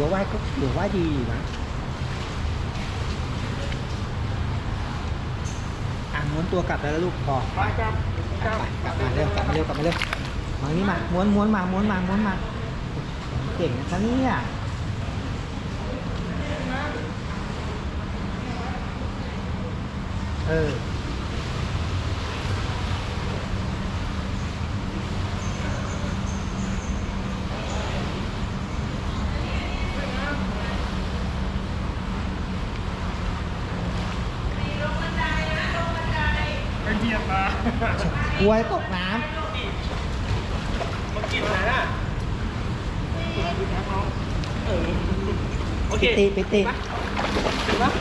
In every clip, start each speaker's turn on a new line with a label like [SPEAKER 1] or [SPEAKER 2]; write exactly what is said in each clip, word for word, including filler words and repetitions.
[SPEAKER 1] ว่าว่ายก็ถือว่าดีนะอ่ะม้วนตัวกลับแล้วลูกพอ
[SPEAKER 2] ไปครับค
[SPEAKER 1] ก
[SPEAKER 2] รั
[SPEAKER 1] ลั
[SPEAKER 2] บบ
[SPEAKER 1] ไปกลับมาเร็วกลับมาเร็วกลับมาเร็วมานี่มาม้วนม้วนมาม้วนมาม้วนมาเก่งนะเนี่ยเออ
[SPEAKER 2] ไปเทียบมาก
[SPEAKER 1] ลัวตกน้
[SPEAKER 2] มากินอะไรน่ะเออโอ
[SPEAKER 1] ำ
[SPEAKER 2] เค
[SPEAKER 1] ปิติปิติ
[SPEAKER 2] ถูกปะ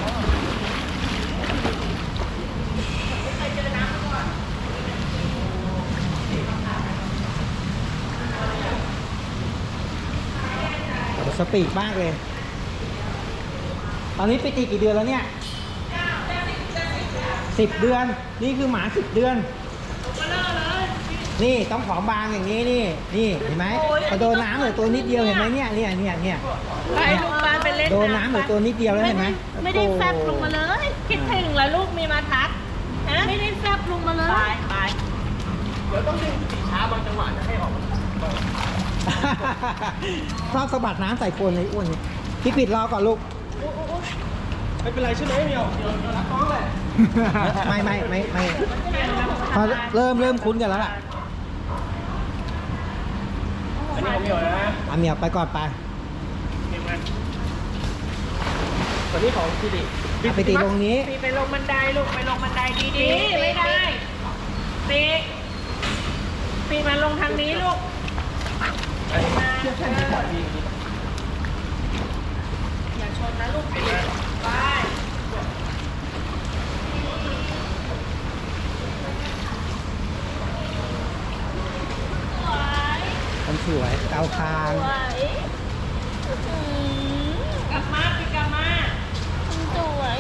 [SPEAKER 1] สปีดมากเลย ตอนนี้ปิติกี่เดือนแล้วเนี่ยสิบเดือนนี่คือหมาสิบเดือนนี่ต้องผอมบางอย่างนี้นี่นี่เห็นไหมพอโดนน้ำเหลือตัวนิดเดียวเห็นไหมเนี่ยเนี่ยเนี่ยเนี่ย
[SPEAKER 3] ไปลูกปานไปเล่น
[SPEAKER 1] โดนน้ำเหลือตัวนิดเดียวแล้วเห็นไหม
[SPEAKER 3] ไม่ได้แฟบลงมาเลย คิดถึงแล้วลูกมีมาทักฮะไม่ได้แฟบลงมาเลย ไปไป
[SPEAKER 2] เดี๋ยวต้องดึงสีช้าบางจังหวะจะให้ออก
[SPEAKER 1] ชอบสะบัดน้ำใส่คนเลยอ้วนนี่พี่ปิดรอก่อนลูก
[SPEAKER 2] ไม่เป็นไรใช่ไหมเมียวเดี๋ยวเดี๋ยวรับน้องแหละ
[SPEAKER 1] ไม่ไม่ไม่ไม่พอเริ่มเริ่มคุ้นกันแล้วล่ะ
[SPEAKER 2] อันนี้ของเมียวนะ
[SPEAKER 1] อ่ะเหมียวไปก่อนไป
[SPEAKER 2] เมียวมาตัวนี้ของพี่ดิ
[SPEAKER 1] อ่ะไปตีตรงนี้
[SPEAKER 3] ปีไปลงบันไดลูกไปลงบันไดดีๆไม่ได้ปีปีมาลงทางนี้ลูก
[SPEAKER 2] อันนี้เทียบแค่นี้ก่อนดี
[SPEAKER 3] อย่าชนนะลูกปีไป
[SPEAKER 1] มันสวยเกาคาง
[SPEAKER 3] สวยกลับมาปีกลับมาสวย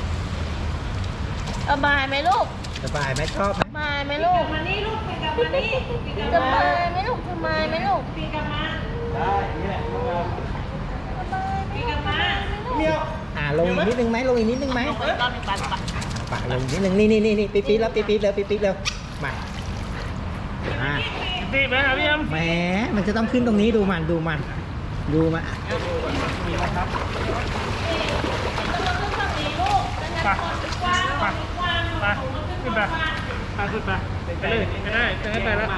[SPEAKER 3] สบายไหมลูก
[SPEAKER 1] สบายไหมชอบไหม
[SPEAKER 3] สบายไหมลูกมานี่ลูกปีกลับมานี่สบายไหมลูกสบายไหมลูกปีกลับมา
[SPEAKER 2] ได้อย่างนี้แหละน้องเรา
[SPEAKER 3] สบายปีกลับมา
[SPEAKER 2] เมียว
[SPEAKER 1] อ่าลงอีกนิดนึงไหมลงอีกนิดนึงไหม
[SPEAKER 3] ลงไปรอบหนึ่งปันปัน
[SPEAKER 1] ปะลงอีกนิดนึงนี่นี่นี่นี่ปี๊ดปี๊ดแล้วปี๊ดปี๊ดแล้วปี๊ดปี๊ดแล้วมาอ่า
[SPEAKER 2] ตีไหมครับพี่แอม
[SPEAKER 1] แหมมันจะต้องขึ้นตรงนี้ดูมันดูมันดูมันอ่ะ
[SPEAKER 2] มีไหมครับ
[SPEAKER 3] ฝั่งนี้ลูกจะงั้นคนกว้างกว้างกว้าง
[SPEAKER 2] ไปขึ้นไปไปขึ้นไปไปเลยไปได้จะให้ไปแล้ว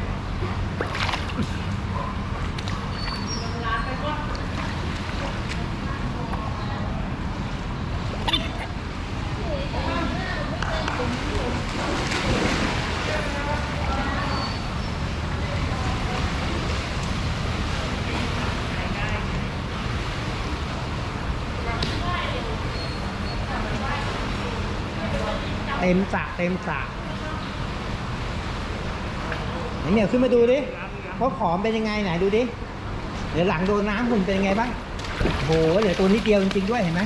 [SPEAKER 1] เต็มสระเต็มสระไหนเหนียวขึ้นมาดูดิเพราะขอมเป็นยังไงไหนดูดิเดี๋ยวหลังโดนน้ำหุ่นเป็นยังไงบ้างโหเหลือตัวนิดเดียวจริงๆด้วยเห็นไหม